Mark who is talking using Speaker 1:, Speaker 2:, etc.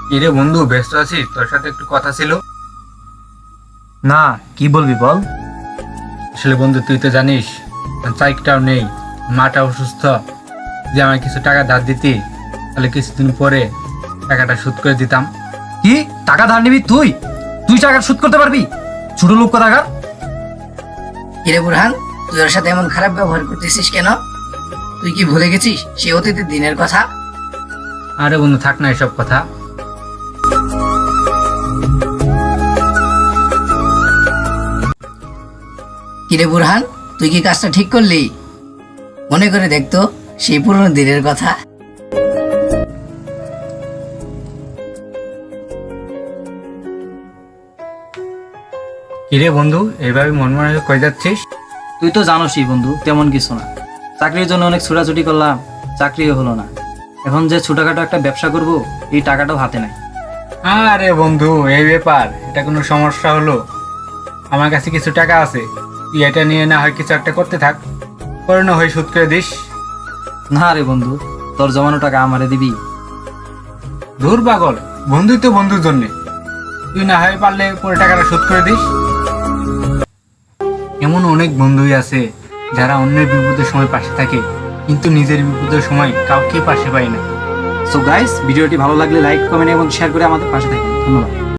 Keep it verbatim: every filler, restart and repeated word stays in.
Speaker 1: কিরে বন্ধু, ব্যস্ত আছিস? তোর সাথে একটু কথা ছিল।
Speaker 2: না, কি বলবি বল।
Speaker 1: আসলে বন্ধু, তুই তো জানিস চাইকটাও নেই, মাটা অসুস্থ। যে আমায় কিছু টাকা ধার দিতি, তাহলে কিছুদিন পরে টাকাটা শোধ করে দিতাম।
Speaker 2: কি টাকা ধার নিবি তুই? তুই টাকা শোধ করতে পারবি? ছোট লোক কোথাকার।
Speaker 3: কিরে বুরহান, তুই ওর সাথে এমন খারাপ ব্যবহার করতেছিস কেন? তুই কি ভুলে গেছিস সে অতীতের দিনের কথা?
Speaker 1: আরে বন্ধু, থাক না এসব কথা।
Speaker 3: কিরে বুরহান, তুই কি কাজটা ঠিক করলি? মনে করে দেখতো সেই পুরনো দিনের কথা।
Speaker 1: কিরে বন্ধু, এইভাবে মন মনে হয়ে কই যাচ্ছিস?
Speaker 2: তুই তো জানোসই বন্ধু, তেমন কিছু না। চাকরির জন্য অনেক ছোটাছুটি করলাম, চাকরিও হলো না। এখন যে ছোটখাটো একটা ব্যবসা করব, এই টাকাটাও হাতে নাই।
Speaker 1: আরে বন্ধু, এই ব্যাপার, এটা কোনো সমস্যা হলো? আমার কাছে কিছু টাকা আছে, তুই এটা নিয়ে না হয় কিছু একটা করতে থাক, করে না হয় শোধ করে দিস।
Speaker 2: না রে বন্ধু, তোর জমানো টাকা আমারে দিবি?
Speaker 1: ধুর পাগল, বন্ধুই তো বন্ধুর জন্যে। তুই না হয় পারলে পরে টাকাটা শোধ করে দিস। এমন অনেক বন্ধুই আছে যারা অন্যের বিপদের সময় পাশে থাকে, কিন্তু নিজের বিপদের সময় কাউকে পাশে পায় না।
Speaker 2: সো গাইস, ভিডিওটি ভালো লাগলে লাইক, কমেন্ট এবং শেয়ার করে আমাদের পাশে থাকুন। ধন্যবাদ।